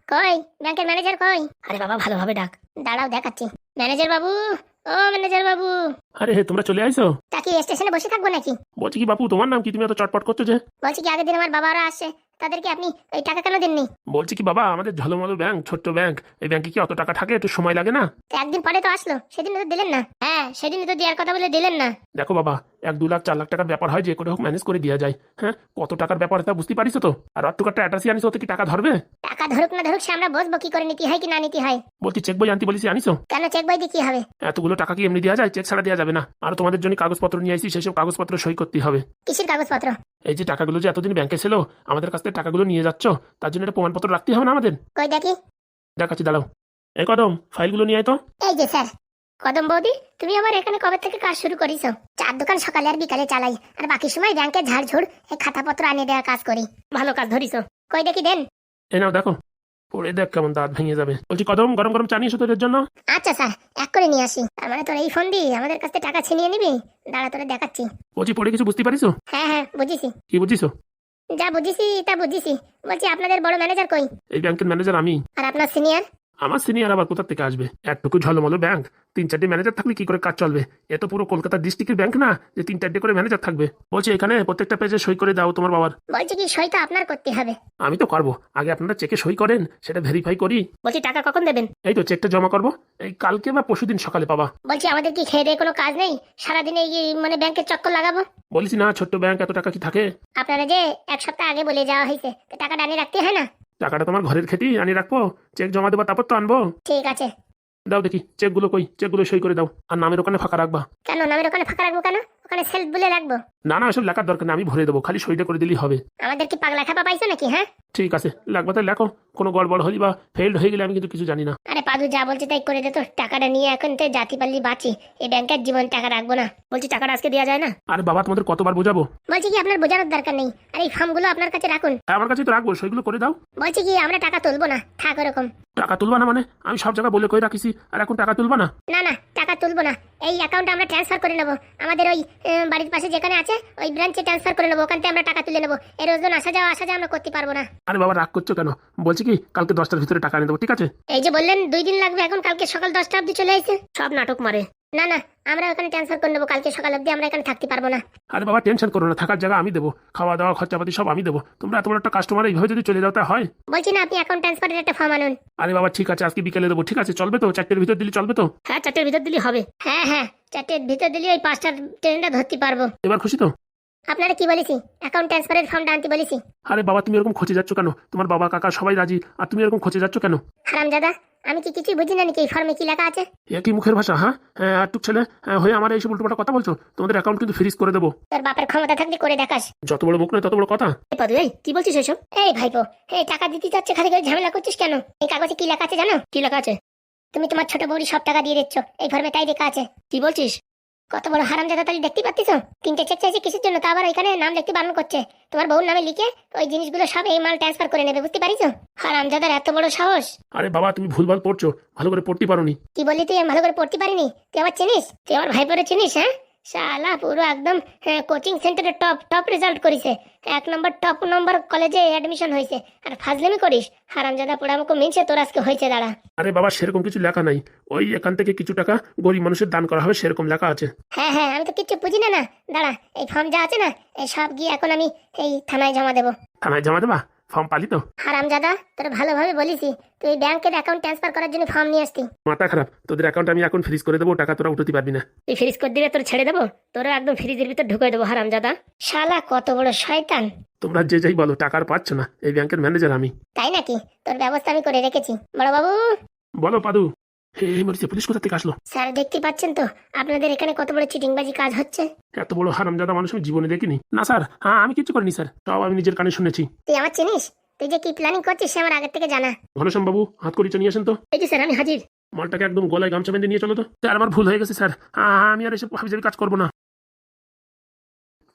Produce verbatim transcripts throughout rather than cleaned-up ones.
কই ব্যাংকের ম্যানেজার কই? আরে বাবা ভালোভাবে ডাক। দাঁড়াও দেখাচ্ছি। ম্যানেজার বাবু, ও ম্যানেজার বাবু। আরে তোমরা চলে আইছো? তা কি স্টেশনে বসে থাকবো নাকি? বলছি কি বাপু, তোমার নাম কি? তুমি এত চটপট করছো যে? বলছি কি আগের দিন আমার বাবারা আসছে, তাদেরকে আপনি ওই টাকা কেন দেননি? বলছি কি বাবা, আমাদের ঝলমলো ব্যাংক, ছোট্ট ব্যাংক, এই ব্যাংকে কি অত টাকা থাকে? একটু সময় লাগে না? তো একদিন পরে তো আসলো, সেদিন তো দিলেন না। হ্যাঁ সেদিন তো দেওয়ার কথা বলে দিলেন না। দেখো বাবা, এক দু লাখ চার লাখ টাকার ব্যাপার হয়, যে করে হোক ম্যানেজ করে দেওয়া যায়। হ্যাঁ, কত টাকার ব্যাপার তা বুঝতে পারিস তো? আর অত টাকাটা অ্যাটাসি আনিস, ওতে কি টাকা ধরবে? টাকা ধরুক না ধরুক, সে আমরা বসবো কি করে, নীতি হয় কি না নীতি হয়। বলছি চেক বই আনতে বলিস, আনিস? কেন চেক বই দিয়ে কি হবে? এতগুলো টাকা কি এমনি দেওয়া যায়? চেক ছাড়া দেওয়া যাবে না। আর তোমাদের জন্য কাগজপত্র নিয়ে আসি, সেসব কাগজপত্র সই করতে হবে। কিসের কাগজপত্র? এই যে টাকাগুলো যে এতদিন ব্যাংকে ছিল, আমাদের কাছ থেকে টাকাগুলো নিয়ে যাচ্ছ, তার জন্য একটা প্রমাণপত্র রাখতে হবে না আমাদের? কই দেখি। দেখাচ্ছি, দাঁড়াও। এই কদম, ফাইলগুলো নিয়ে আয় তো। এই যে স্যার। কদম বৌদি, তুমি আমার এখানে কবে থেকে কাজ শুরু করিছো? চার দোকান সকালে আর বিকালে চালাই, আর বাকি সময় ব্যাংকে ঝাড়ঝুড় এই খাতাপত্র আনিয়ে দেওয়ার কাজ করি। ভালো কাজ ধরিছো। কই দেখি দেন। এই নাও দেখো, পড়ে দেখ কেমন দাঁত ভেঙে যাবে। বলছি কদম, গরম গরম চা নিয়ে এসো তোদের জন্য। আচ্ছা স্যার, এক করে নিয়ে আসি। তার মানে তোর এই ফোন দিয়ে আমাদের কাছ থেকে টাকা ছিনিয়ে নিবি? দাঁড়া তোরে দেখাচ্ছি। বলছি পড়ে কিছু বুঝতে পারিস? হ্যাঁ হ্যাঁ বুঝেছি। কি বুঝিস? যা বুঝেছি তা বুঝেছি। বলছি আপনাদের বড় ম্যানেজার কই? এই ব্যাংকের ম্যানেজার আমি। আর আপনার সিনিয়র? আমার সিনিয়র আবার কোথা থেকে আসবে? একটুকু ঝলমলো ব্যাংক, তিন চারটে ম্যানেজার থাকলে কি করে কাজ চলবে? এ তো পুরো কলকাতা ডিস্ট্রিক্টের ব্যাংক না যে তিন চারটে করে ম্যানেজার থাকবে। বলছি এখানে প্রত্যেকটা পেজে সই করে দাও তোমার বাবার। বলছি কি সই তো আপনার করতে হবে? আমি তো করবো, আগে আপনারা চেকে সই করেন, সেটা ভেরিফাই করি। বলছি টাকা কখন দেবেন? এই তো চেকটা জমা করবো, এই কালকে বা পরশুদিন সকালে পাবা। বলছি আমাদের কি খেয়ে দিয়ে কোনো কাজ নেই? সারাদিন এই মানে ব্যাংকের চক্কর লাগাবো? বলিস না, ছোট্ট ব্যাংক, এত টাকা কি থাকে? আপনারা যে এক সপ্তাহ আগে বলে যাওয়া হয়েছে, তো টাকাটা আনিয়ে রাখতে হয় না? টাকাটা তোমার ঘরের খেতেই আনি রাখবো, চেক জমা দেবো তারপর তো আনবো। ঠিক আছে। দাও দেখি চেকগুলো কই, চেকগুলো সই করে দাও, আর নামের ওখানে ফাঁকা রাখবা। কেন নামের ওখানে ফাঁকা রাখবো কেন? ওখানে সেলফ বলে রাখবো? না না, এসব লেখার দরকার নেই, আমি ভরে দেবো, খালি সইটা করে দিলেই হবে। আমাদের কি পাগলা খাপা পাইছো নাকি? হ্যাঁ ঠিক আছে, লাগবে তাই লেখো। কোনো গড়বড় হলি বা ফেল্ড হয়ে গেলে আমি কিন্তু কিছু জানি না। আরে পাদু যা বলছে তাই করে দে তো। টাকাটা নিয়ে এখন তো জাতি পাল্লি বাঁচি, এই ব্যাংকের জীবন টাকা রাখবো না। বলছি টাকাটা আজকে দেওয়া যায় না? আরে বাবা, তোমাদের কতবার বোঝাবো? বলছি কি আপনার বোঝানোর দরকার নেই, আর এই ফর্মগুলো আপনার কাছে রাখুন। হ্যাঁ, আমার কাছে তো রাখবো, সইগুলো করে দাও। বলছি কি আমরা টাকা তুলবো না, থাক ওরকম। টাকা তুলবা না মানে? আমি সব জায়গায় বলে কই রাখিছি, আর এখন টাকা তুলবা না? না না টাকা তুলবো না, এই অ্যাকাউন্টে আমরা ট্রান্সফার করে নেবো। আমাদের ওই আহ, বাড়ির পাশে যেখানে আছে ওই ব্রাঞ্চে ট্রান্সফার করে নেবো, ওখান থেকে আমরা টাকা তুলে নেবো। এই রোজদিন আসা যাওয়া আসা যাওয়া আমরা করতে পারবো না। আরে বাবা, রাগ করছো কেন? বলছি কি কালকে দশটার ভিতরে টাকা এনে দেবো, ঠিক আছে? এই যে বললেন দুই দিন লাগবে, এখন কালকে সকাল দশটা অব্দি চলে এসে সব নাটক মারে। না না আমরা ওখানে ট্রান্সফার করে নেবো, কালকে সকাল অব্দি আমরা এখানে থাকতে পারবো না। আরে বাবা টেনশন করো না, থাকার জায়গা আমি দেবো, খাওয়া দাওয়া খরচাপাতি সব আমি দেবো। তোমরা এত বড় একটা কাস্টমার, এইভাবে যদি চলে যাও তা হয়? বলছি না আপনি অ্যাকাউন্ট ট্রান্সফারের একটা ফর্ম আনুন। আরে বাবা ঠিক আছে, আজকে বিকেলে দেবো, ঠিক আছে? চলবে তো? চারটের ভিতর দিলে চলবে তো? হ্যাঁ চারটের ভিতর দিলে হবে। হ্যাঁ হ্যাঁ চারটের ভিতর দিলে ওই পাঁচটার ট্রেনটা ধরতে পারবো। এবার খুশি তো? আপনারা কি বলেছি? অ্যাকাউন্ট ট্রান্সফারের ফর্মটা আনতে বলেছি। আরে বাবা, তুমি এরকম খোঁজে যাচ্ছ কেন? তোমার বাবা কাকা সবাই রাজি, আর তুমি এরকম খোঁজে যাচ্ছ কেন? হারামজাদা, আমি কি কিছুই বুঝি না নাকি এই ফর্মে কি লেখা আছে? এ কি মুখের ভাষা? হ্যাঁ হ্যাঁ, আর টুক ছেলে হ্যাঁ, হয়ে আমার এইসব উল্টোপাল্টা কথা বলছো? তোমাদের অ্যাকাউন্ট কিন্তু ফ্রিজ করে দেবো। তোর বাপের ক্ষমতা থাকলে করে দেখাস। যত বড় মুখ নয় তত বড় কথা। এই পাদু, এই কি বলছিস এসব? এই ভাইপো, এই টাকা দিতে চাচ্ছে, খালি করে ঝামেলা করছিস কেন? এই কাগজে কি লেখা আছে জানো? কি লেখা আছে? তুমি তোমার ছোট বউরি সব টাকা দিয়ে দিচ্ছ, এই ফর্মে তাই লেখা আছে। কি বলছিস? কত বড় হারামজাদা তালি দেখতে পাচ্ছিস? তিনটে চেক চাইছে কিসের জন্য, তা আবার এখানে নাম লিখতে বারণ করছে। তোমার বউর নামে লিখে ওই জিনিসগুলো সব এই মাল ট্রান্সফার করে নেবে, বুঝতে পারিস? হারামজাদার এত বড় সাহস! আরে বাবা, তুমি ভুলভাল পড়ছো, ভালো করে পড়তে পারোনি। কি বললি তুই? আমি ভালো করে পড়তে পারিনি? তুই আমার চিনিস? তুই আমার ভাইপোরে চিনিস? হ্যাঁ শালা পুরো একদম কোচিং সেন্টারে টপ টপ রেজাল্ট করিছে, এক নম্বর টপ নম্বর কলেজে অ্যাডমিশন হয়েছে, আর ফাজলামি করিস? হারামজাদা পোড়া আমাকে মিনছে তোর আজকে হয়েছে। দাঁড়া। আরে বাবা, সেরকম কিছু লেখা নাই, ওই এখান থেকে কিছু টাকা গরিব মানুষের দান করা হবে, সেরকম লেখা আছে। হ্যাঁ হ্যাঁ আমি তো কিচ্ছু বুঝি না। না দাঁড়া, এই ফর্ম যা আছে না এই সব গিয়ে এখন আমি এই থানায় জমা দেবো। থানায় জমা দেবা? ফর্ম পালি তো? হারামজাদা, তোর ভালোভাবে বলিসি, তুই ব্যাংকের অ্যাকাউন্ট ট্রান্সফার করার জন্য ফর্ম নিয়ে আসতি। মাথা খারাপ, তোদের অ্যাকাউন্ট আমি এখন ফ্রিজ করে দেবো, টাকা তোরা উঠাতে পারবি না। তুই ফ্রিজ করে দিলে তোর ছেড়ে দেবো, তোরা একদম ফ্রিজের ভিতর ঢুকে দেবো। হারামজাদা শালা কত বড় শয়তান! তোমরা যে যাই বলো, টাকার পাচ্ছ না, এই ব্যাংকের ম্যানেজার আমি। তাই নাকি? তোর ব্যবস্থা আমি করে রেখেছি বড় বাবু। বলো পাদু। এই মরিছে, পুলিশ কোথা থেকে আসলো? স্যার দেখতে পাচ্ছেন তো আপনাদের এখানে কত বড় চিটিংবাজি কাজ হচ্ছে। এত বড় হারামজাদা মানুষ আমি জীবনে দেখিনি। না স্যার, হ্যাঁ আমি কিছু করিনি স্যার, সব আমি নিজের কানে শুনেছি। তুই আমার চিনিস? তুই যে কি প্ল্যানিং করছিস সে আমার আগের থেকে জানা। ঘনশ্যাম বাবু, হাত করিটা নিয়ে আসেন তো। এই যে স্যার আমি হাজির। মালটাকে একদম গলায় গামছা বেঁধে নিয়ে চলো তো। স্যার আমার ভুল হয়ে গেছে স্যার, হ্যাঁ আমি আর এসব হাবিজাবি কাজ করবো না।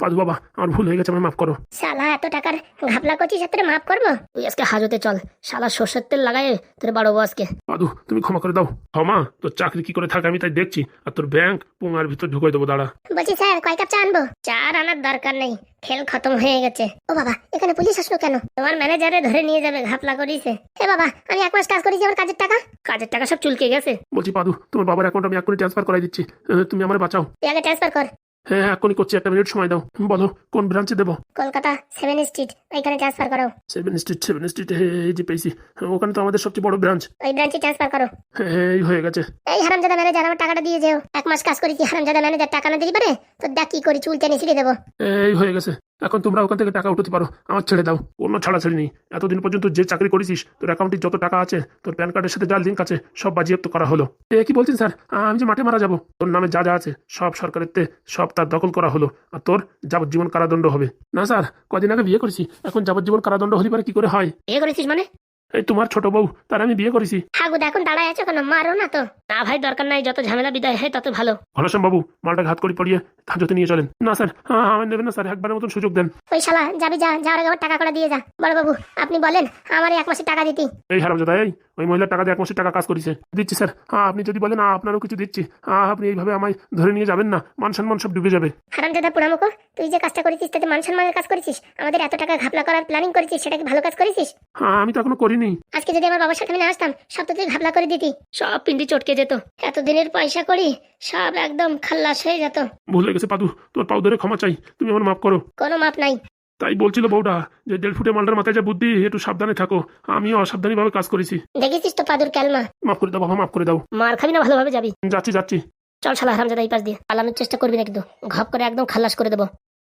পাদু বাবা আমার ভুল হয়ে গেছে, আমায় মাফ করো। শালা এত টাকার ঘাপলা করছিস আর তোরে মাফ করবো? তুই আজকে হাজতে চল, শালা সর্ষের তেল লাগাই তোর বাড়বো আজকে। পাদু তুমি ক্ষমা করে দাও। ক্ষমা? তোর চাকরি কি করে থাকে আমি তাই দেখছি, আর তোর ব্যাংক পোঙার ভিতর ঢুকাই দেবো, দাঁড়া। বলছি স্যার কয় কাপ চা আনবো? চা আর আনার দরকার নেই, খেল খতম হয়ে গেছে। ও বাবা এখানে পুলিশ আসলো কেন? তোমার ম্যানেজারে ধরে নিয়ে যাবে, ঘাপলা করিছে। এ বাবা আমি এক মাস কাজ করেছি, আমার কাজের টাকা কাজের টাকা সব চুলকে গেছে। বলছি পাদু তোমার বাবার অ্যাকাউন্ট আমি এক্ষুনি ট্রান্সফার করাই দিচ্ছি, আহ, তুমি আমার বাঁচাও। তুই আগে ট্রান্সফার কর। হ্যাঁ হ্যাঁ এক্ষুনি করছি, একটা মিনিট সময় দাও। বলো কোন ব্রাঞ্চে দেবো? কলকাতা সেভেন স্ট্রিট, ওইখানে ট্রান্সফার করো। সেভেন স্ট্রিট সেভেন স্ট্রিট এই যে পেয়েছি, ওখানে তো আমাদের সবচেয়ে বড় ব্রাঞ্চ। ওই ব্রাঞ্চে ট্রান্সফার করো। হ্যাঁ এই হয়ে গেছে। এই হারামজাদা ম্যানেজার আমার টাকাটা দিয়ে যেও। এক মাস কাজ করেছি, হারামজাদা ম্যানেজার টাকা না দিতে পারে তো দেখ কি করি, চুল টেনে ছিঁড়ে দেবো। এই হয়ে গেছে, এখন তোমরা ওখান থেকে টাকা উঠাতে পারো, আমার ছেড়ে দাও। কোনো ছাড়াছাড়ি নেই, এতদিন পর্যন্ত যে চাকরি করেছিস তোর অ্যাকাউন্টে যত টাকা আছে তোর প্যান কার্ডের সাথে যা লিঙ্ক আছে সব বাজিয়াপ্ত করা হলো। এ কি বলছেন স্যার, আমি যে মাঠে মারা যাবো, তোর নামে যা যা আছে সব সরকারের তে সব তার দখল করা হলো, আর তোর যাবজ্জীবন কারাদণ্ড হবে। না স্যার কদিন আগে বিয়ে করেছি, এখন যাবজ্জীবন কারাদণ্ড হলে পারে কি করে হয়? বিয়ে করেছিস মানে? এই তোমার ছোট বউ, তার আমি বিয়ে করেছি। হাগু এখন দাঁড়ায় আছো কেন? মারো না তো। না ভাই দরকার নাই, যত ঝামেলা বিদায় হয় তত ভালো। ঘনশ্যাম বাবু মালটা ঘাত করে পড়িয়ে হাজতে নিয়ে চলেন। না স্যার হ্যাঁ আমার নেবেন না স্যার, একবারের মতন সুযোগ দেন। ওই শালা যাবি যা, যাওয়ার আগে আমার টাকা করে দিয়ে যা। বড় বাবু আপনি বলেন আমার এক মাসের টাকা দিতি। এই হারামজাদা, এই ওই মহিলার টাকা দিয়ে এক মাসের টাকা কাজ করেছে। দিচ্ছি স্যার, হ্যাঁ আপনি যদি বলেন আপনারও কিছু দিচ্ছি, হ্যাঁ আপনি এইভাবে আমায় ধরে নিয়ে যাবেন না, মান সম্মান সব ডুবে যাবে। হারামজাদা পোড়ামুখো, তুই যে কাজটা করেছিস তাতে মান সম্মানের কাজ করেছিস, আমাদের এত টাকা ঘাপলা করার প্ল্যানিং করেছিস, সেটা কি ভালো কাজ করেছিস? হ্যাঁ আমি তো এখনো করিনি। আজকে যদি আমার বাবার সাথে আমি না আসতাম সব তো তুই ঘাপলা করে দিতি, সব পিন্ডি চটকে যেত। এতদিনের পয়সা করি সব একদম খাল্লাস হয়ে যেত। ভুল হয়ে গেছে পাদু, তোর পাও ধরে ক্ষমা চাই, তুমি আমার মাফ করো। কোনো মাপ নাই। তাই বলছিল বউটা যে দেড় ফুটে মালটার মাথায় যা বুদ্ধি, একটু সাবধানে থাকো, আমিও অসাবধানী ভাবে কাজ করেছি। দেখেছিস তো পাদুর ক্যালমা। মাফ করে দাও বাবা, মাফ করে দাও। মার খাবি না, ভালোভাবে যাবি। যাচ্ছি যাচ্ছি। চল শালা হারামজাদা এই পাশ দিয়ে, পালানোর চেষ্টা করবি না কিন্তু, ঘপ করে একদম খাল্লাস করে দেবো।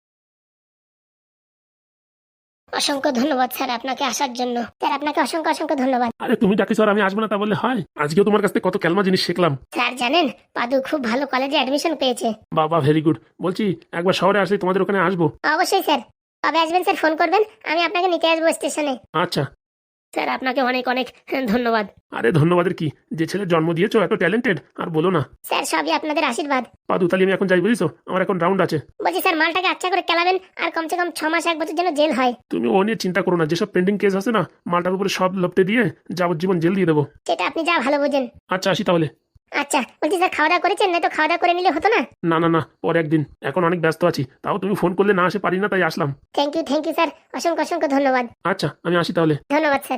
অসংখ্য ধন্যবাদ স্যার আপনাকে আসার জন্য। স্যার আপনাকে অসংখ্য অসংখ্য ধন্যবাদ। আরে তুমি ডাকি স্যার, আমি আসবো না তা বললে হয়? আজকেও তোমার কাছ থেকে কত ক্যালমা জিনিস শিখলাম। স্যার জানেন পাদু খুব ভালো কলেজে অ্যাডমিশন পেয়েছে। বাবা ভেরি গুড। বলছি একবার শহরে আসলে তোমাদের ওখানে আসবো। অবশ্যই স্যার, কবে আসবেন স্যার ফোন করবেন, আমি আপনাকে নিতে আসবো স্টেশনে। আচ্ছা স্যার আপনাকে অনেক অনেক ধন্যবাদ। আরে ধন্যবাদের কি, যে ছেলে জন্ম দিয়েছো এত ট্যালেন্টেড আর বলো না। স্যার সবই আপনাদের আশীর্বাদ। পাদু তাহলে আমি এখন যাই, বুঝিস আমার এখন রাউন্ড আছে। বলছি স্যার মালটাকে আচ্ছা করে কেলাবেন, আর কমসে কম ছ মাস এক বছর যেন জেল হয়। তুমি ও নিয়ে চিন্তা করো না, যেসব পেন্ডিং কেস আছে না মালটার উপরে সব লপটে দিয়ে যাবজ্জীবন জেল দিয়ে দেবো। সেটা আপনি যা ভালো বোঝেন। আচ্ছা আসি তাহলে। আচ্ছা বলছি স্যার খাওয়া দাওয়া করেছেন? না তো খাওয়া দাওয়া করে নিলে হতো না? না না না পরে একদিন, এখন অনেক ব্যস্ত আছি, তাও তুমি ফোন করলে না আসে পারি না, তাই আসলাম। Thank you thank you sir, অসংখ্য অসংখ্য ধন্যবাদ। আচ্ছা আমি আসি তাহলে। ধন্যবাদ স্যার।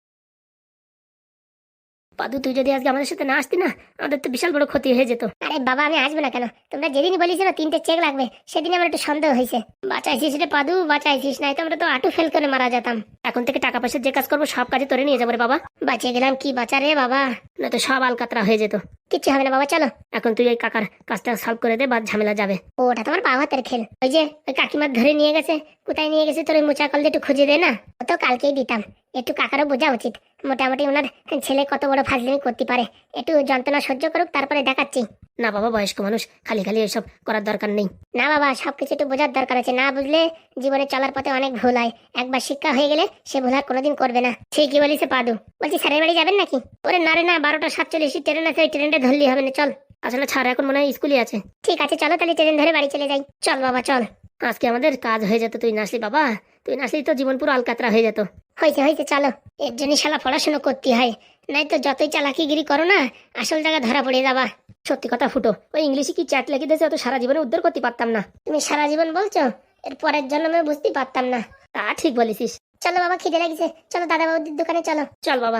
পাদু তুই যদি আজকে আমাদের সাথে না আসতি না, আমাদের তো বিশাল বড় ক্ষতি হয়ে যেত। আরে বাবা আমি আসবো না কেন, তোমরা যেদিনই বলিস না তিনটে চেক লাগবে, সেদিন আমার একটু সন্দেহ হয়েছে। বাঁচাইছিস রে পাদু, বাঁচাইছিস, নাই তো আমরা তো আটু ফেল করে মারা যেতাম। এখন থেকে টাকা পয়সার যে কাজ করবো সব কাজে তোরে নিয়ে যাবো রে বাবা। বাঁচিয়ে গেলাম কি বাঁচা রে বাবা, না তো সব আলকাতরা হয়ে যেত। কিচ্ছু হবে না বাবা, চলো এখন তুই এই কাকার কাজটা সলভ করে দে, বাদ ঝামেলা যাবে। ওটা তোমার বাবা হাতের খেল। ওই যে ওই কাকিমার ধরে নিয়ে গেছে, কোথায় নিয়ে গেছে তোর ওই মোচা কল দিয়ে একটু খুঁজে দে না, ও তো কালকেই দিতাম। একটু কাকারও বোঝা উচিত, মোটামুটি ওনার ছেলে কত বড় ফাজলিমি করতে পারে, একটু যন্ত্রণা সহ্য করুক তারপরে দেখাচ্ছি। না বাবা বয়স্ক মানুষ, খালি খালি এসব করার দরকার নেই। না বাবা সবকিছু একটু বোঝার দরকার আছে, না বুঝলে জীবনে চলার পথে অনেক ভুল হয়, একবার শিক্ষা হয়ে গেলে সে ভুল আর কোনোদিন করবে না। ঠিকই বলিস পাদু। বলছি স্যারের বাড়ি যাবেন নাকি? ওরে না রে না, বারোটা সাতচল্লিশ ট্রেন আছে, ওই ট্রেনটা ধরলেই হবে না, চল। আসলে ছাড় এখন মনে হয় স্কুলই আছে। ঠিক আছে চলো তাহলে ট্রেন ধরে বাড়ি চলে যাই। চল বাবা চল, আজকে আমাদের কাজ হয়ে যেত, তুই নাসলি বাবা, তুই নাসলি তো জীবন পুরো আলকাতরা হয়ে যেত। হয়েছে হয়েছে চলো, এর জন্য শালা পড়াশোনা করতে হয়, নাই তো যতই চালাকিগিরি করো না আসল জায়গা ধরা পড়ে যাবা। সত্যি কথা ফুটো, ওই ইংলিশে কি চ্যাট লিখে দিয়েছে, তো সারা জীবনে উদ্ধার করতে পারতাম না। তুমি সারা জীবন বলছো, এর পরের জন্য আমি বুঝতে পারতাম না। তা ঠিক বলেছিস। চলো বাবা খিদে লাগিছে, চলো দাদা বাবুদের দোকানে চলো। চল বাবা।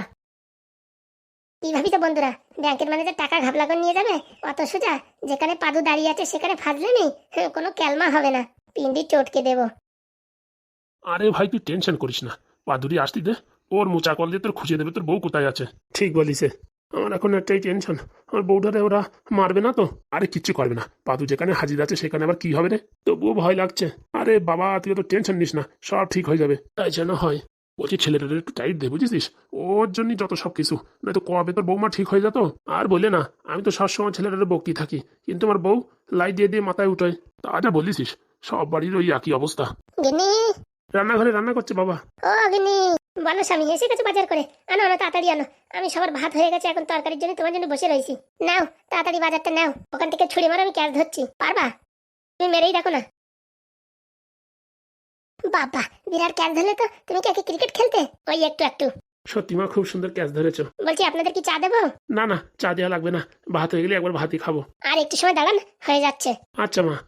কি ভাবি তো বন্ধুরা, ব্যাংকের ম্যানেজার টাকা ঘাপলা করে নিয়ে যাবে অত সোজা? যেখানে পাদু দাঁড়িয়ে আছে সেখানে ফাজলে নেই, কোনো ক্যালমা হবে না, পিন্ডি চটকে দেবো। আরে ভাই তুই টেনশন করিস না, পাদুরি আসতি দে, ওর মোচা কল দিয়ে তোর খুঁজে দেবে তোর বউ কোথায় আছে। ঠিক বলিসে, আমার এখন একটাই টেনশন, আমার বউটারে ওরা মারবে না তো? আরে কিচ্ছু করবে না, পাদু যেখানে হাজির আছে সেখানে আবার কি হবে রে, তবুও ভয় লাগছে। আরে বাবা তুই তো টেনশন নিস না, সব ঠিক হয়ে যাবে। তাই যেন হয়। বলছি ছেলেটাদের একটু টাইট দে বুঝেছিস, ওর জন্যই যত সব কিছু, নয়তো কবে তোর বৌমা ঠিক হয়ে যেত। আর বলে না, আমি তো সবসময় ছেলেটাদের বকতেই থাকি, কিন্তু আমার বউ লাইট দিয়ে দিয়ে মাথায় উঠায়। তা যা বলিস, সব বাড়ির ওই একই অবস্থা। রান্নাঘরে রান্না করছে বাবা। ও গিনি বলো স্বামী এসে গেছে বাজার করে, আনো আনো তাড়াতাড়ি আনো, আমি সবার ভাত হয়ে গেছে, এখন তরকারির জন্য তোমার জন্য বসে রয়েছি। নাও তাড়াতাড়ি বাজারটা নাও, ওখান থেকে ছুরি মারো, আমি ক্যাশ ধরছি। পারবা? তুমি মেরেই দেখো না। বাবা, বিরাট ক্যাচ ধরলে তো। তুমি কি একে ক্রিকেট খেলতে? ওই একটু একটু। সত্যি মা, খুব সুন্দর ক্যাচ ধরেছো। বলছি আপনাদের কি চা দেবো? না না, চা দেওয়া লাগবে না, ভাত হয়ে গেলে একবার ভাতই খাবো। আর একটু সময় দাঁড়ান, হয়ে যাচ্ছে। আচ্ছা মা।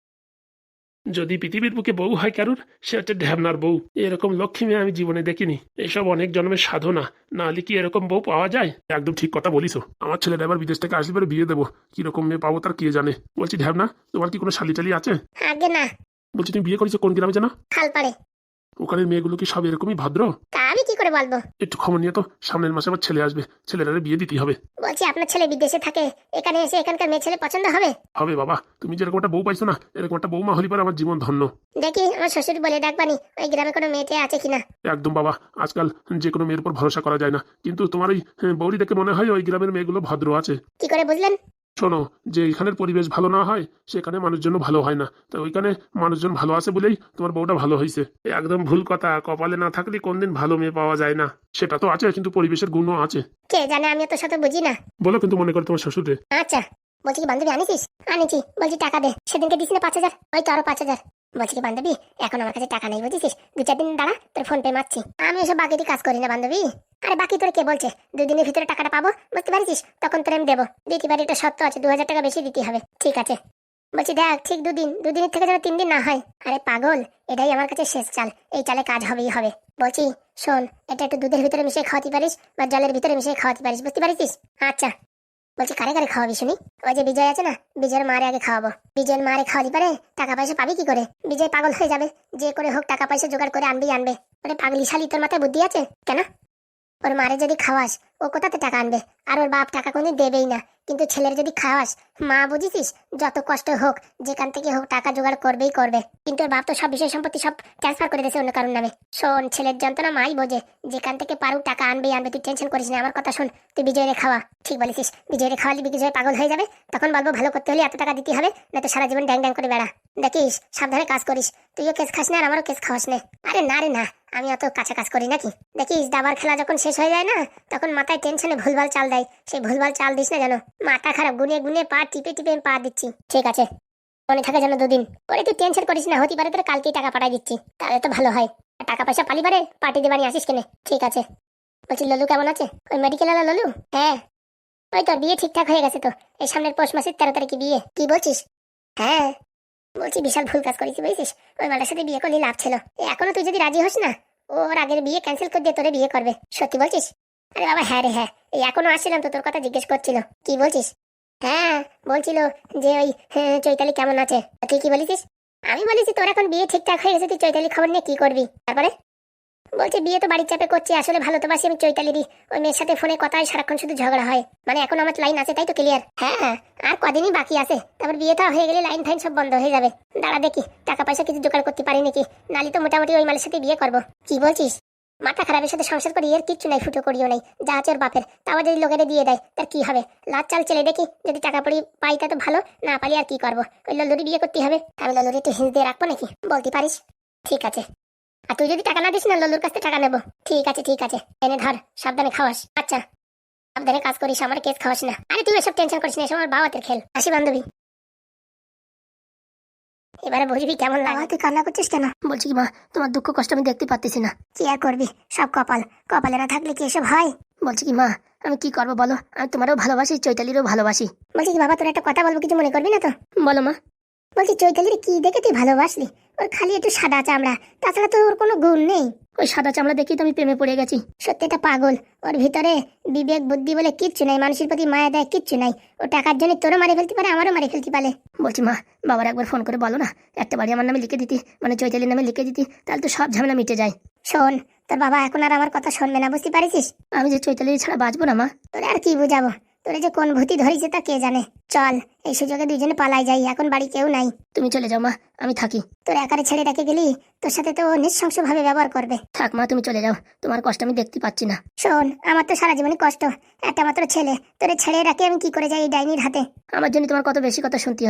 যদি পৃথিবীর বুকে বউ হয় কারুর, সে হচ্ছে ঢ্যাবনার বউ। এরকম লক্ষ্মী মেয়ে আমি জীবনে দেখিনি। এসব অনেক জন্মের সাধনা, না হলে কি এরকম বউ পাওয়া যায়? একদম ঠিক কথা বলিস। আমার ছেলেটা এবার বিদেশ থেকে আসলে পরে বিয়ে দেবো, কিরকম মেয়ে পাবো তার কে জানে। বলছি ঢ্যাবনা, তোমার কি কোনো শালি টালি আছে? আগে না। বলছি তুমি বিয়ে করেছো কোন গ্রামে জানা? খালপাড়ে। ওখানের মেয়েগুলো কি সব এরকমই ভদ্র? তা আমি কি করে বলবো? একটু খবর নিয়ে তো, সামনের মাসে আমার ছেলে আসবে, ছেলেটারে বিয়ে দিতেই হবে। বলছি আপনার ছেলে বিদেশে থাকে, এখানে এসে এখানকার মেয়ে ছেলে পছন্দ হবে? হবে বাবা, তুমি যেরকম একটা বউ পাইছো না, এরকম একটা বউ মা হলি পরে আমার জীবন ধন্য। দেখি আমার শ্বশুর বলে ডাকবানি ওই গ্রামে কোনো মেয়েটে আছে কিনা। একদম বাবা, আজকাল যে কোনো মেয়ের উপর ভরসা করা যায় না, কিন্তু তোমার ওই হ্যাঁ, বৌরি দেখে মনে হয় ওই গ্রামের মেয়েগুলো ভদ্র আছে। কি করে বুঝলেন? শোনো, যে এখানের পরিবেশ ভালো না হয় সেখানে মানুষজন ভালো হয় না, তো ওইখানে মানুষজন ভালো আছে বলেই তোমার বউটা ভালো হয়েছে। একদম ভুল কথা, কপালে না থাকলে কোনদিন ভালো মেয়ে পাওয়া যায় না। সেটা তো আছে, কিন্তু পরিবেশের গুণও আছে। কে জানে, আমি তো সাথে বুঝি না। বলো কিন্তু মনে করো তোমার শ্বশুরে। আচ্ছা, বলছি কি বান্ধবী আনিছিস? আনিছি। বলছি টাকা দে, সেদিনকে দিস না পাঁচ হাজার, ওই তো আরো পাঁচ হাজার। বলছি কি বান্ধবী, এখন আমার কাছে টাকা নেই বুঝেছিস, দু চার দিন দাঁড়া, তোর ফোন পে মারছি। আমি এসব বাকিটি কাজ করি না বান্ধবী। আরে বাকি তোর কে বলছে? দুদিনের ভিতরে টাকাটা পাবো, বুঝতে পারছিস, তখন তোর আমি দেবো। দিতে পারি, এটা সত্য আছে, দু হাজার টাকা বেশি দিতে হবে। ঠিক আছে। বলছি দেখ, ঠিক দুদিন, দুদিনের থেকে যেন তিন দিন না হয়। আরে পাগল, এটাই আমার কাছে শেষ চাল, এই চালে কাজ হবেই হবে। বলছি শোন, এটা একটু দুধের ভিতরে মিশিয়ে খাওয়াতে পারিস বা জলের ভিতরে মিশিয়ে খাওয়াতে পারিস, বুঝতে পারছিস? আচ্ছা। বলছি কারে কারে খাওয়াবি শুনি? ওই যে বিজয় আছে না, বিজয়ের মারে আগে খাওয়াবো। বিজয়ের মারে খাওয়ালি পারে টাকা পয়সা পাবি কি করে? বিজয় পাগল হয়ে যাবে, যে করে হোক টাকা পয়সা জোগাড় করে আনবি আনবে। ওরে পাগলি শালি, তোর মাথায় বুদ্ধি আছে কেন? ওর মারে যদি খাওয়াস, ও কোথাতে টাকা আনবে? আর ওর বাপ টাকা কোনদিন দেবেই না। কিন্তু ছেলের যদি খাওয়াস, মা বুঝিছিস, যত কষ্ট হোক যেখান থেকে হোক টাকা জোগাড় করবেই করবে। কিন্তু ওর বাপ তো সব বিষয় সম্পত্তি সব ট্রান্সফার করে দিয়েছে অন্য কারোর নামে। শোন, ছেলের যন্ত্রণা মাই বোঝে, যেখান থেকে পারুক টাকা আনবেই আনবে। তুই টেনশন করিস না, আমার কথা শোন। তুই বিজয়রে খাওয়া। ঠিক বলেছিস, বিজয়রে খাওয়ালি বিজয় পাগল হয়ে যাবে, তখন বলবো ভালো করতে হলে এত টাকা দিতে হবে, না তো সারা জীবন ড্যাং ড্যাং করে বেড়া। দেখিস সাবধানে কাজ করিস, তুইও কেস খাস না আর আমারও কেস খাওয়াস না। আরে না রে না, আমি অত কাঁচা কাজ করি নাকি? দেখিস দাবার খেলা যখন শেষ হয়ে যায় না, তখন মাথায় টেনশনে ভুলভাল চাল দেয়, সেই ভুলভাল চাল দিস না যেন। মাথা খারাপ, গুনে গুনে পা টিপে টিপে পা দিচ্ছি। ঠিক আছে, মনে থাকে যেন দুদিন পরে। তুই টেনশন করিস না, হতে পারে তোর কালকেই টাকা পাঠাই দিচ্ছি, তাহলে তো ভালো হয়। আর টাকা পয়সা পালি পারে পার্টি দেবানি আসিস কেনে। ঠিক আছে। বলছি ললু কেমন আছে? ওই মেডিকেল আলা ললু? হ্যাঁ, ওই তোর বিয়ে ঠিকঠাক হয়ে গেছে তো, এই সামনের পৌষ মাসের তেরো তারিখে বিয়ে। কি বলছিস? হ্যাঁ, বলছি বিশাল ভুল কাজ করেছি বুঝছিস, ওই মালার সাথে বিয়ে করলে লাভ ছিল। এখনো তুই যদি রাজি হোস না, ওর আগের বিয়ে ক্যান্সেল করে দিয়ে তোরে বিয়ে করবে। সত্যি বলছিস? আরে বাবা হ্যাঁ রে হ্যাঁ, এই এখনো আসছিলাম তো তোর কথা জিজ্ঞেস করছিল। কি বলছিস? হ্যাঁ, বলছিল যে ওই হ্যাঁ, চৈতালি কেমন আছে। তুই কি বলেছিস? আমি বলেছি তোর এখন বিয়ে ঠিকঠাক হয়ে গেছে, তুই চৈতালি খবর নিয়ে কি করবি। তারপরে বলছে বিয়ে তো বাড়ির চাপে করছি, আসলে ভালো তো বাসি আমি চৈতালিরই। ওই মেয়ের সাথে ফোনে কথা হয়, সারাক্ষণ শুধু ঝগড়া হয়। মানে এখন আমার লাইন আছে তাই তো? ক্লিয়ার? হ্যাঁ হ্যাঁ, আর কদিনই বাকি আছে, তারপর বিয়েটা হয়ে গেলে লাইন ফাইন সব বন্ধ হয়ে যাবে। দাঁড়া দেখি টাকা পয়সা কিছু জোগাড় করতে পারি নাকি, নালি তো মোটামুটি ওই মালের সাথে বিয়ে করবো। কি বলছিস? মাথা খারাপের সাথে সংসার করি, এর কিচ্ছু নাই, ফুটো করিও নাই, যা আছে ওর বাপের। তাও যদি লোকেরা দিয়ে দেয় তার কি হবে? লাজ চাল চেলে দেখি, যদি টাকা পড়ি পাই তা তো ভালো, না পালি আর কি করবো। ওই লল্লুরি বিয়ে করতে হবে। আমি লল্লুরি একটু হিন্স দিয়ে রাখবো নাকি, বলতে পারিস? ঠিক আছে। আর তুই যদি টাকা না দিস না, লল্লুর কাছ থেকে টাকা নেবো। ঠিক আছে ঠিক আছে, এনে ধর, সাবধানে খাওয়াস। আচ্ছা, সাবধানে কাজ করিস, আমার কেস খাওয়াস না। আরে তুই এসব টেনশন করিস না, এসব আমার বাবাতের খেল। আসি বান্ধবী, এবারে বুঝবি কেমন লাগে। তুই কান্না করছিস কেন? বলছি কি মা, তোমার দুঃখ কষ্ট আমি দেখতে পাচ্ছি না। কি আর করবি, সব কপাল, কপালে না থাকলে কি এসব হয়? বলছি কি মা, আমি কি করবো বলো, আমি তোমারও ভালোবাসি, চৈতালিরও ভালোবাসি। বলছি কি বাবা, তোর একটা কথা বলবো, কিছু মনে করবি না তো? বলো মা। বলছি চৈতালির কি দেখে তুই ভালোবাসলি? ওর খালি একটু সাদা চামড়া, তাছাড়া তো ওর কোনো গুণ নেই। ওই সাদা চামড়া দেখেই তো আমি প্রেমে পড়ে গেছি। সত্যি এটা পাগল, ওর ভিতরে বিবেক বুদ্ধি বলে কিচ্ছু নাই, মানুষের প্রতি মায়া দেয় কিচ্ছু নাই। ও টাকার জন্য তোরও মারি ফেলতে পারে, আমারও মারি ফেলতে পারে। বলছি মা, বাবার একবার ফোন করে বলো না, একটা বাড়ি আমার নামে লিখে দিতি, মানে চৈতালির নামে লিখে দিতি, তাহলে তো সব ঝামেলা মিটে যায়। শোন, তোর বাবা এখন আর আমার কথা শুনবে না, বুঝতে পারিস? আমি যে চৈতালির ছাড়া বাঁচবো না মা। তোর আর কি বুঝাবো, তোরে যে কোন ভূতি ধরেছে তা কে জানে। চল এই সুযোগে দুইজনে পালাই যাই, এখন বাড়ি কেউ নাই। তুমি চলে যাও মা, আমি থাকি। তোর একারে ছেড়ে রেখে গেলি, তোর সাথে তো নৃশংস ভাবে ব্যবহার করবে। থাক মা, তুমি চলে যাও, তোমার কষ্ট আমি দেখতে পাচ্ছি না। শোন, আমার তো সারা জীবনে কষ্ট, একটা মাত্র ছেলে, তোরে ছেড়ে রাখে আমি কি করে যাই এই ডাইনির হাতে? আমার জন্য তোমার কত বেশি কথা শুনতে হচ্ছে।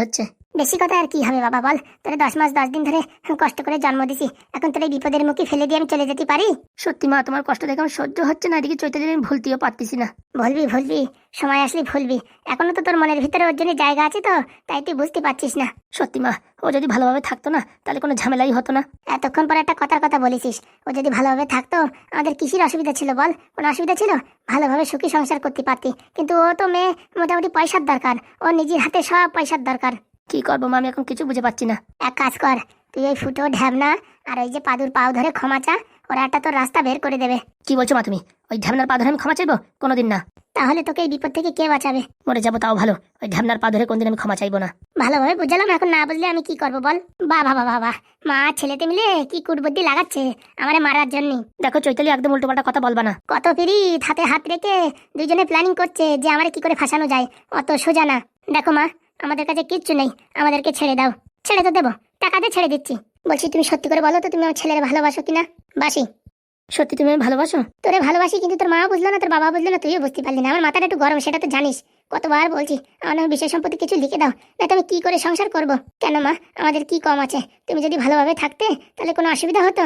বেশি কথা আর কি হবে বাবা বল, তোরে দশ মাস দশ দিন ধরে কষ্ট করে জন্ম দিছি, এখন তোর এই বিপদের মুখে ফেলে দিয়ে আমি চলে যেতে পারি? সত্যি মা, তোমার কষ্ট দেখে আমার সহ্য হচ্ছে না, এদিকে চৈতালির আমি ভুলতেও পারতেছি না। ভুলবি ভুলবি, সময় আসলে ভুলবি, এখনো তো তোর মনের ভিতরে ওর জন্য জায়গা আছে, তো তাই তুই বুঝতে পারছিস না। সত্যি মা, ও যদি ভালোভাবে থাকতো না তাহলে কোনো ঝামেলাই হতো না। এতক্ষণ পর একটা কথার কথা বলেছিস, ও যদি ভালোভাবে থাকতো আমাদের কিসের অসুবিধা ছিল বল? কোনো অসুবিধা ছিল? ভালোভাবে সুখী সংসার করতে পারতি, কিন্তু ও তো মেয়ে, মোটামুটি পয়সার দরকার, ও নিজের হাতে সব পয়সার দরকার। কি করবো মা, আমি এখন কিছু বুঝে পাচ্ছি না। এক কাজ কর, তুই ওই ফুটো ঢ্যাবনা আর ওই যে পাদুর পাও ধরে ক্ষমা চা, ওরা একটা তোর রাস্তা বের করে দেবে। কি বলছো মা তুমি? ওই ঢ্যাবনার পা ধরে আমি ক্ষমা চাইবো? কোনোদিন না। তাহলে তোকে এই বিপদ থেকে কে বাঁচাবে? মরে যাবো তাও ভালো, ওই ঢ্যাবনার পা ধরে কোনদিন আমি ক্ষমা চাইবো না। ভালোভাবে বুঝলাম, এখন না বুঝলে আমি কি করবো বল? বাবা বাবা বাবা, মা ছেলেতে মিলে কি কুটবুদ্ধি লাগাচ্ছে আমারে মারার জন্য। দেখো চৈতালি, একদম উল্টোপাল্টা কথা বলবা না। কত পিরিত হাতে হাত রেখে দুইজনে প্ল্যানিং করছে যে আমারে কি করে ফাঁসানো যায়, অত সোজা না। দেখো মা, আমাদের কাছে কিচ্ছু নেই, আমাদেরকে ছেড়ে দাও। ছেড়ে তো দেবো, টাকা দিয়ে ছেড়ে দিচ্ছি। বলছি তুমি সত্যি করে বলো তো, তুমি আমার ছেলের ভালোবাসো কিনা? বাসি। সত্যি তুমি আমায় ভালোবাসো? তোরে ভালোবাসি, কিন্তু তোর মা বুঝলো না, তোর বাবা বুঝলো না, তুইও বুঝতে পারলি না। আমার মাথাটা একটু গরম, সেটা তো জানিস। কতবার বলছি আমার নামে বিশেষ সম্পত্তি কিছু লিখে দাও, না তো আমি কি করে সংসার করব? কেন মা, আমাদের কি কম আছে? তুমি যদি ভালোভাবে থাকতে তাহলে কোনো অসুবিধা হতো?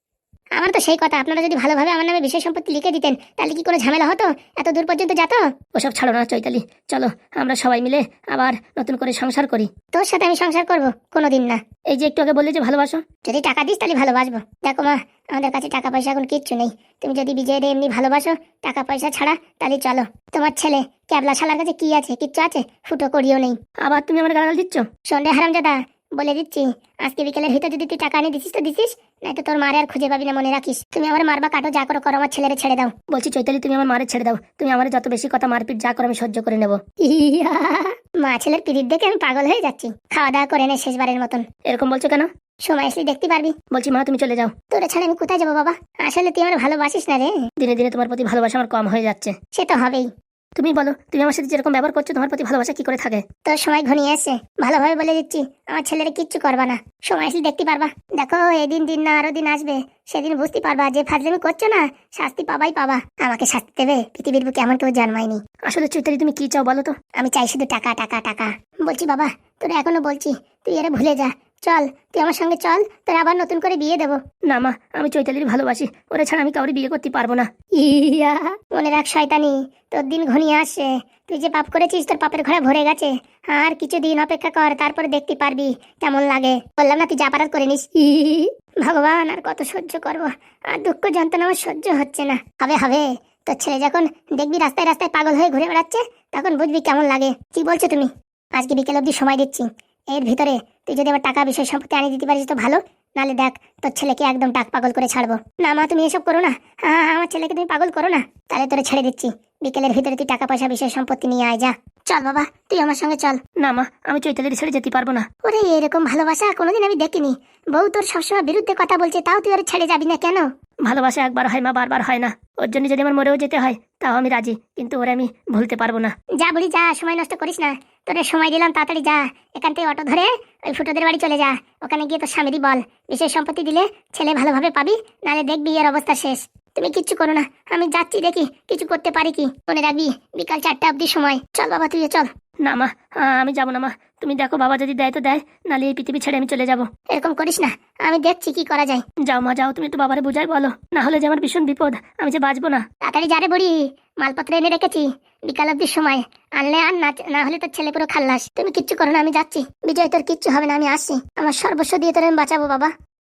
আমার তো সেই কথা, আপনারা যদি ভালোভাবে আমার নামে বিশেষ সম্পত্তি লিখে দিতেন তাহলে কি কোনো ঝামেলা হতো? এত দূর পর্যন্ত যেত? ওসব ছাড়ো না চৈতালি, চলো আমরা সবাই মিলে আবার নতুন করে সংসার করি। তোর সাথে আমি সংসার করব? কোনোদিন না। এই যে একটু আগে বললে যে ভালোবাসো, যদি টাকা দিস তাহলে ভালোবাসবো। দেখো মা, আমাদের কাছে টাকা পয়সা এখন কিচ্ছু নেই, তুমি যদি বিজয়ের এমনি ভালোবাসো টাকা পয়সা ছাড়া, তাহলে চলো। তোমার ছেলে ক্যাবলা শালার কাছে কি আছে? কিচ্ছু আছে? ফুটো করিও নেই। আবার তুমি আমার গালাগাল দিচ্ছ? সন্ধ্যে হারামজাদা, বলে দিচ্ছি, আজকে বিকেলের ভিতর যদি তুই টাকা এনে দিছিস তো দিছিস, নয়তো তোর মারে আর খুঁজে পাবি না, মনে রাখিস। তুমি আমার মারবা কাটো, যা করো করো, আমার ছেলেরে ছেড়ে দাও। বলছি চৈতালি, তুমি আমার মারে ছেড়ে দাও, তুমি আমার যত বেশি কথা মারপিট যা করো আমি সহ্য করে নেবো। ইয়া, মা ছেলের পিরিত দেখে আমি পাগল হয়ে যাচ্ছি। খাওয়া দাওয়া করে নে শেষবারের মতন। এরকম বলছো কেন? সময় আসলে দেখতে পারবি। বলছি মা, তুমি চলে যাও। তোরে ছাড়া আমি কোথায় যাবো বাবা? আসলে তুই আমার ভালোবাসিস না রে। দিনে দিনে তোমার প্রতি ভালোবাসা আমার কম হয়ে যাচ্ছে। সে তো হবেই। তুমি বলো, তুমি আমার সাথে যেরকম ব্যবহার করছো তোমার প্রতি ভালোবাসা কি করে থাকে? তোর সময় ঘনিয়ে আসছে, ভালোভাবে বলে দিচ্ছি, আমার ছেলেরে কিচ্ছু করবা না। সময় আসলে দেখতে পারবা। দেখো এদিন দিন না আরো দিন আসবে, সেদিন বুঝতে পারবা যে ফাজলামি করছো না, শাস্তি পাবাই পাবা। আমাকে শাস্তি দেবে, পৃথিবীর বুকে এমন কেউ জন্মায়নি। আসলে চৈতালি তুমি কি চাও বলো তো? আমি চাই শুধু টাকা টাকা টাকা। বলছি বাবা, তোরা এখনো বলছি, তুই এরা ভুলে যা। চল, তুই আমার সঙ্গে চল, তোর আবার নতুন করে বিয়ে দেবো। না মা, আমি চৈতালির ভালোবাসি, ওরা ছাড়া আমি কাউরে বিয়ে করতে পারবো না। ইয়া, মনে রাখ শয়তানি, তোর দিন ঘনিয়ে আসছে। তুই যে পাপ করেছিস তোর পাপের ঘরে ভরে গেছে। আর কিছু দিন অপেক্ষা কর, তারপরে দেখতে পারবি কেমন লাগে। বললাম না তুই যা পারার করে নিস। ই, ভগবান আর কত সহ্য করব, আর দুঃখ যন্ত্রণা আমার সহ্য হচ্ছে না। হবে হবে, তোর ছেলে যখন দেখবি রাস্তায় রাস্তায় পাগল হয়ে ঘুরে বেড়াচ্ছে, তখন বুঝবি কেমন লাগে। কি বলছো তুমি? আজকে বিকেল অবধি সময় দিচ্ছি, এর ভিতরে তুই যদি আমার টাকা বিষয় সম্পত্তি আনিয়ে দিতে পারিস তো ভালো, নালে দেখ তোর ছেলেকে একদম টাক পাগল করে ছাড়বো। না মা, তুমি এসব করো না। হ্যাঁ, আমার ছেলেকে তুমি পাগল করো না। তাহলে তোরে ছেড়ে দিচ্ছি, বিকেলের ভিতরে তুই টাকা পয়সা বিষয় সম্পত্তি নিয়ে আয় যা। চল বাবা, তুই আমার সঙ্গে চল। না মা, আমি চৈতালির ছেড়ে যেতে পারবো না। ওরে, এরকম ভালোবাসা কোনোদিন আমি দেখিনি। বউ তোর সবসময় বিরুদ্ধে কথা বলছে, তাও তুই ওর ছেড়ে যাবি না কেন? ভালোবাসা একবার হয় মা, বারবার হয় না। ওর জন্য যদি আমার মরেও যেতে হয় তাও আমি রাজি, কিন্তু ওরে আমি ভুলতে পারবো না। যা বুড়ি যা, সময় নষ্ট করিস না। তোরে সময় দিলাম, তাড়াতাড়ি যা। এখান থেকে অটো ধরে ওই ফুটোদের বাড়ি চলে যা। ওখানে গিয়ে তোর স্বামীরই বল, বিশেষ সম্পত্তি দিলে ছেলে ভালোভাবে পাবি, নালে দেখবি এর অবস্থা শেষ। তুমি কিচ্ছু করো না, আমি যাচ্ছি, দেখি কিছু করতে পারি কি। মনে রাখবি বিকাল চারটা অব্দি সময়। চল বাবা, তুই চল। না মা, আমি যাবো না মা, তুমি দেখো বাবা যদি দেয় তো দেয়, নালে এই পৃথিবী ছেড়ে আমি চলে যাবো। এরকম করিস না, আমি দেখছি কি করা যায়। যাও মা যাও, তুমি একটু বাবারে বুঝাই বলো, না হলে যে আমার ভীষণ বিপদ, আমি যে বাঁচবো না। তাড়াতাড়ি যা রে বুড়ি, মালপত্র এনে রেখেছি, বিকাল অব্দি সময়। আনলে আর না, না হলে তোর ছেলে পুরো খাল্লাস। তুমি কিচ্ছু করো না, আমি যাচ্ছি। বিজয়, তোর কিচ্ছু হবে না, আমি আসছি। আমার সর্বস্ব দিয়ে তোর আমি বাঁচাবো বাবা।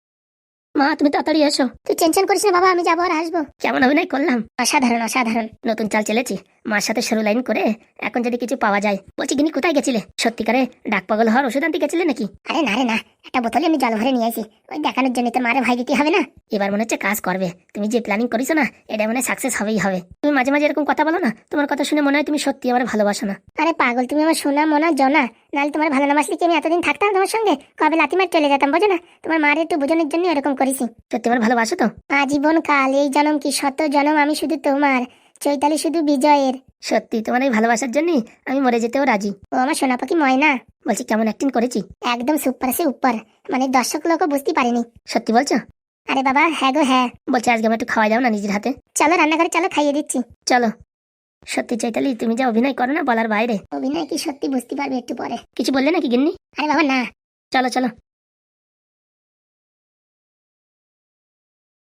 মা তুমি তাড়াতাড়ি এসো। তুই টেনশন করিস না বাবা, আমি যাবো আর আসবো। কেমন অভিনয় করলাম! অসাধারণ অসাধারণ। নতুন চাল চেলেছি, মার সাথে সরু লাইন করে এখন যদি কিছু পাওয়া যায়। বলছি গিনি, কোথায় গেছিলে? সত্যিকারে ডাক পাগল হওয়ার ওষুধ আনতে গেছিলে নাকি? আরে না রে না, একটা বোতলে আমি জল ভরে নিয়ে আসি, ওই দেখানোর জন্য। তোর মারে ভাই দিতে হবে না? এবার মনে হচ্ছে কাজ করবে। তুমি যে প্ল্যানিং করিছো না, এটা মনে সাকসেস হবেই হবে। তুমি মাঝে মাঝে এরকম কথা বলো না, তোমার কথা শুনে মনে হয় তুমি সত্যি আমার ভালোবাসো না। আরে পাগল, তুমি আমার সোনা মোনা জনা, নাহলে তোমার ভালো না বাসলে কি আমি এতদিন থাকতাম তোমার সঙ্গে? কবে লাথি মার চলে যেতাম, বোঝো না? তোমার মারে একটু বোঝানোর জন্য এরকম করেছি। সত্যি আমার ভালোবাসো তো? আজীবন কাল, এই জনম কি শত জনম আমি শুধু তোমার, চৈতালি শুধু বিজয়ের। সত্যি তোমার এই ভালোবাসার জন্যই আমি মরে যেতেও রাজি। ও আমার সোনা পাখি ময়না। বলছি কেমন অ্যাক্টিং করেছি? একদম সুপার সে উপর, মানে দর্শক লোকও বুঝতে পারেনি। সত্যি বলছো? আরে বাবা হ্যাঁ গো হ্যাঁ। বলছি আজকে আমার একটু খাওয়া যাও না নিজের হাতে? চলো রান্নাঘরে চলো, খাইয়ে দিচ্ছি। চলো। সত্যি চৈতালি, তুমি যা অভিনয় করো না বলার বাইরে। অভিনয় কি সত্যি বুঝতে পারবে একটু পরে। কিছু বললে নাকি গিন্নি? আরে বাবা না। চলো চলো